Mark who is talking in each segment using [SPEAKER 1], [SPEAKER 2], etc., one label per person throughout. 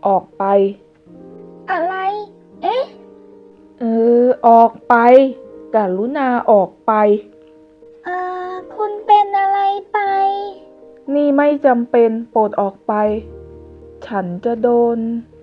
[SPEAKER 1] ออกไป
[SPEAKER 2] อะไร เอ๊ะ
[SPEAKER 1] ออกไปกรุณาออกไป
[SPEAKER 2] คุณเป็นอะไรไป
[SPEAKER 1] นี่ไม่จำเป็นโปรดออกไปฉันจะโดน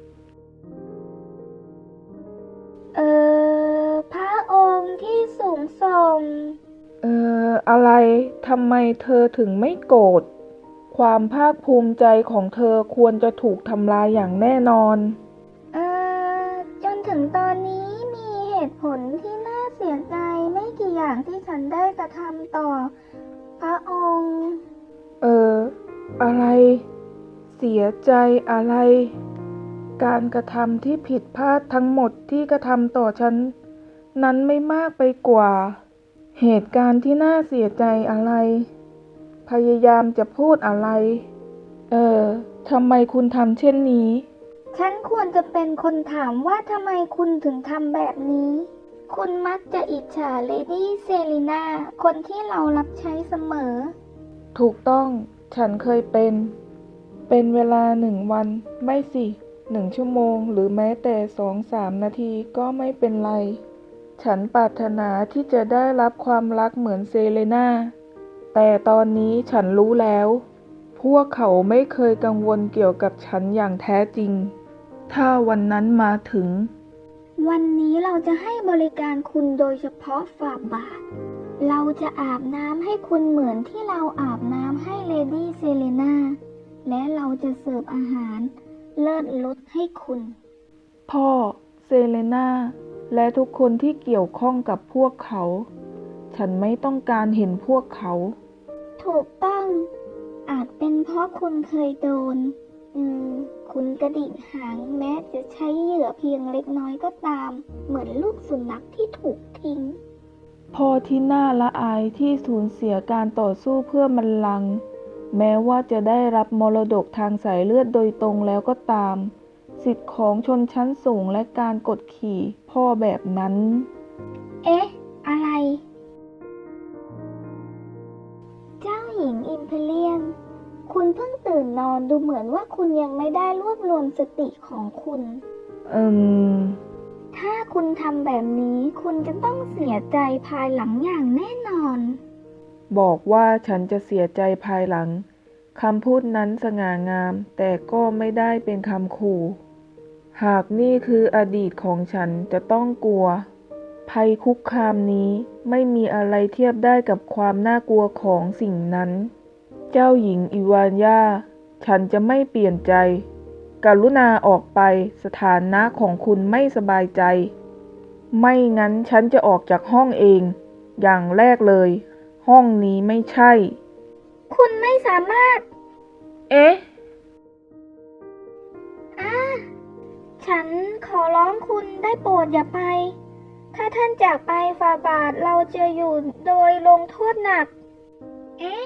[SPEAKER 2] พระองค์ที่สูงส่ง
[SPEAKER 1] อะไรทำไมเธอถึงไม่โกรธความภาคภูมิใจของเธอควรจะถูกทำลายอย่างแน่นอน
[SPEAKER 2] จนถึงตอนนี้มีเหตุผลที่น่าเสียใจไม่กี่อย่างที่ฉันได้กระทำต่อพระองค์
[SPEAKER 1] อะไรเสียใจอะไรการกระทำที่ผิดพลาดทั้งหมดที่กระทำต่อฉันนั้นไม่มากไปกว่าเหตุการณ์ที่น่าเสียใจอะไรพยายามจะพูดอะไรทำไมคุณทำเช่นนี้
[SPEAKER 2] ฉันควรจะเป็นคนถามว่าทำไมคุณถึงทำแบบนี้คุณมักจะอิจฉาเลดี้เซรีนาคนที่เรารับใช้เสมอ
[SPEAKER 1] ถูกต้องฉันเคยเป็นเวลา1 วันไม่สิ1 ชั่วโมงหรือแม้แต่2-3 นาทีก็ไม่เป็นไรฉันปรารถนาที่จะได้รับความรักเหมือนเซเลนาแต่ตอนนี้ฉันรู้แล้วพวกเขาไม่เคยกังวลเกี่ยวกับฉันอย่างแท้จริงถ้าวันนั้นมาถึง
[SPEAKER 2] วันนี้เราจะให้บริการคุณโดยเฉพาะฝ่าบาทเราจะอาบน้ำให้คุณเหมือนที่เราอาบน้ำให้เลดี้เซเลนาและเราจะเสิร์ฟอาหารเลิศรสให้คุณ
[SPEAKER 1] พ่อเซเลนาและทุกคนที่เกี่ยวข้องกับพวกเขาฉันไม่ต้องการเห็นพวกเขา
[SPEAKER 2] ถูกต้องอาจเป็นเพราะคุณเคยโดนคุณกระดิกหางแม้จะใช้เหยื่อเพียงเล็กน้อยก็ตามเหมือนลูกสุนัขที่ถูกทิ้ง
[SPEAKER 1] พ่อที่น่าละอายที่สูญเสียการต่อสู้เพื่อบัลลังก์แม้ว่าจะได้รับมรดกทางสายเลือดโดยตรงแล้วก็ตามสิทธิของชนชั้นสูงและการกดขี่พ่อแบบนั้น
[SPEAKER 2] เอ๊ะอะไรเจ้าหญิงอิมเพเรียลคุณเพิ่งตื่นนอนดูเหมือนว่าคุณยังไม่ได้รวบรวมสติของคุณถ้าคุณทำแบบนี้คุณจะต้องเสียใจภายหลังอย่างแน่นอน
[SPEAKER 1] บอกว่าฉันจะเสียใจภายหลังคำพูดนั้นสง่างามแต่ก็ไม่ได้เป็นคำขู่หากนี่คืออดีตของฉันจะต้องกลัวภัยคุกคามนี้ไม่มีอะไรเทียบได้กับความน่ากลัวของสิ่งนั้นเจ้าหญิงอิวานยาฉันจะไม่เปลี่ยนใจกรุณาออกไปสถานะของคุณไม่สบายใจไม่งั้นฉันจะออกจากห้องเองอย่างแรกเลยห้องนี้ไม่ใช่
[SPEAKER 2] คุณไม่สามารถ
[SPEAKER 1] เอ๊ะ
[SPEAKER 2] ฉันขอร้องคุณได้โปรดอย่าไปถ้าท่านจากไปฝ่าบาทเราจะอยู่โดยลงโทษหนักเอ๊ะ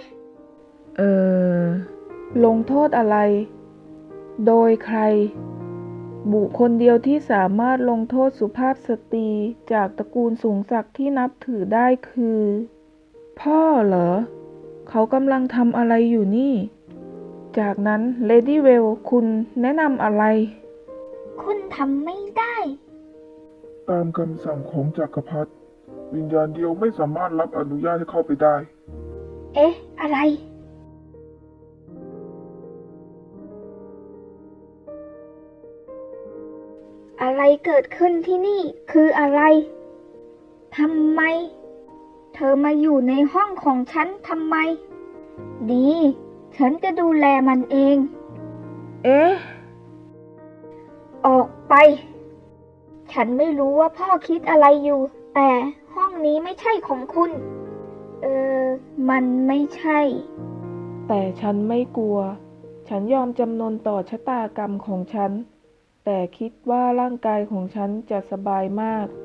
[SPEAKER 1] ลงโทษอะไรโดยใครบุคคลเดียวที่สามารถลงโทษสุภาพสตรีจากตระกูลสูงศักดิ์ที่นับถือได้คือพ่อเหรอเขากำลังทำอะไรอยู่นี่จากนั้นเลดี้เวลคุณแนะนำอะไร
[SPEAKER 2] คุณทำไม่ได้
[SPEAKER 3] ตามคำสั่งของจักรพรรดิวิญญาณเดียวไม่สามารถรับอนุญาตให้เข้าไปได้
[SPEAKER 2] เอ๊ะอะไรอะไรเกิดขึ้นที่นี่คืออะไรทำไมเธอมาอยู่ในห้องของฉันทำไมดีฉันจะดูแลมันเอง
[SPEAKER 1] เอ๊ะ
[SPEAKER 2] ออกไปฉันไม่รู้ว่าพ่อคิดอะไรอยู่แต่ห้องนี้ไม่ใช่ของคุณมันไม่ใช่
[SPEAKER 1] แต่ฉันไม่กลัวฉันยอมจำนนต่อชะตากรรมของฉันแต่คิดว่าร่างกายของฉันจะสบายมาก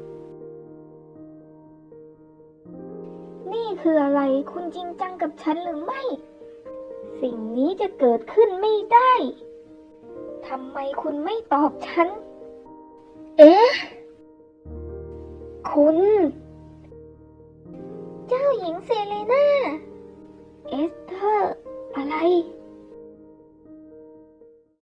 [SPEAKER 2] นี่คืออะไรคุณจริงจังกับฉันหรือไม่สิ่งนี้จะเกิดขึ้นไม่ได้ทำไมคุณไม่ตอบฉันเอ๊ะคุณเจ้าหญิงเซเลนาเอสเธอร์อะไร